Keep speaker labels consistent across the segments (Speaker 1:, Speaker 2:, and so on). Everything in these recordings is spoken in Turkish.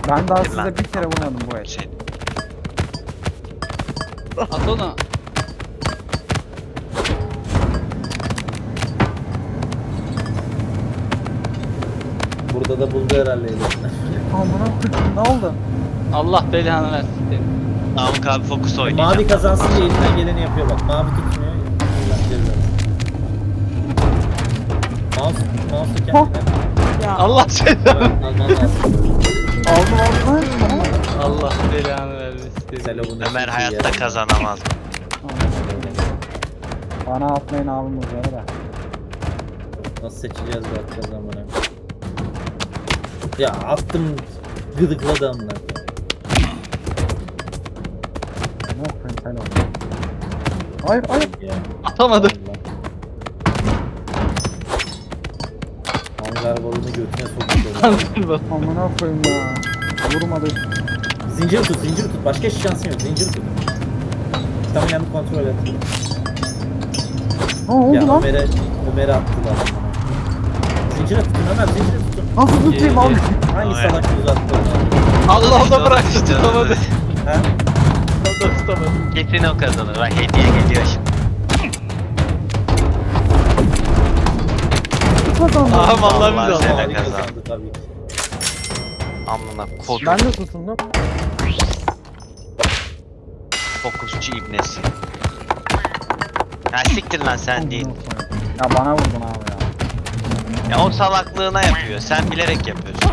Speaker 1: Ben daha
Speaker 2: Lan.
Speaker 1: size bir kere vurmadım bu el.
Speaker 2: Şey,
Speaker 3: At onu.
Speaker 4: Burada da buldu herhalde elinden.
Speaker 1: Amına koyayım ne oldu?
Speaker 3: Allah belanı versin seni.
Speaker 2: Namık abi fokus oynayacağım.
Speaker 4: Mavi kazansın diye elinden geleni yapıyor bak. Mavi tutmuyor. Allah cezanı. Mouse kendine.
Speaker 3: Allah seni.
Speaker 4: Alman lazım.
Speaker 1: Aldım.
Speaker 3: Allah belanı versin seni.
Speaker 4: Selamın
Speaker 2: Ömer hayatta kazanamaz.
Speaker 1: Bana atmayın abim üzere de.
Speaker 4: Nasıl seçeceğiz bakacağız amına. Ya attım gıdıkladı amına.
Speaker 1: Ne yapayım sen ol. Hayır hayır.
Speaker 4: Ya.
Speaker 3: Atamadım.
Speaker 4: Hangar balonu götüne soktu.
Speaker 1: Amına koyayım ya. Vurmadı.
Speaker 4: Zincir tut, zincir tut. Başka hiç şansın yok. Zincir tut. Tamam yanı kontrol et.
Speaker 1: Ne oldu
Speaker 4: Ya
Speaker 1: lan?
Speaker 4: Ömer'e attılar. Zincire tutun Ömer, zincire tutun.
Speaker 1: Nasıl tutayım abi?
Speaker 4: Hangi
Speaker 2: Ömer.
Speaker 4: salak uzattı onu?
Speaker 3: Allah da bıraktı tutamadı.
Speaker 4: Ha?
Speaker 3: Allah da tutamadı.
Speaker 2: Kesin o kazanır. Bak hediye geliyor şimdi.
Speaker 1: Kazandım.
Speaker 3: Aha vallahi
Speaker 2: Vallahi
Speaker 3: billahi.
Speaker 2: sen-
Speaker 4: Mavi
Speaker 2: kazandı.
Speaker 4: kazandı tabii ki.
Speaker 2: Amına kod.
Speaker 1: Ben de tutundum.
Speaker 2: Fokusçu ibnesi. Ya siktir lan sen değil.
Speaker 1: Ya bana vurdun abi ya.
Speaker 2: Ya o salaklığına yapıyor. Sen bilerek yapıyorsun.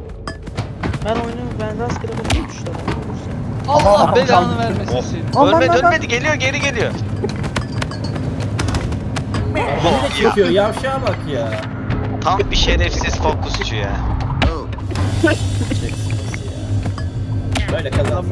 Speaker 5: Ben rastgele bakıyorum işte.
Speaker 3: Allah belanı vermesin
Speaker 2: Oh.
Speaker 3: seni.
Speaker 1: Aman,
Speaker 2: Ölmedi
Speaker 1: aman.
Speaker 2: ölmedi geliyor geri geliyor.
Speaker 4: Beni de çekiyor, yavşağa bak ya.
Speaker 2: Tam bir şerefsiz fokusçu ya.
Speaker 4: Çeksin ya. Böyle kazan.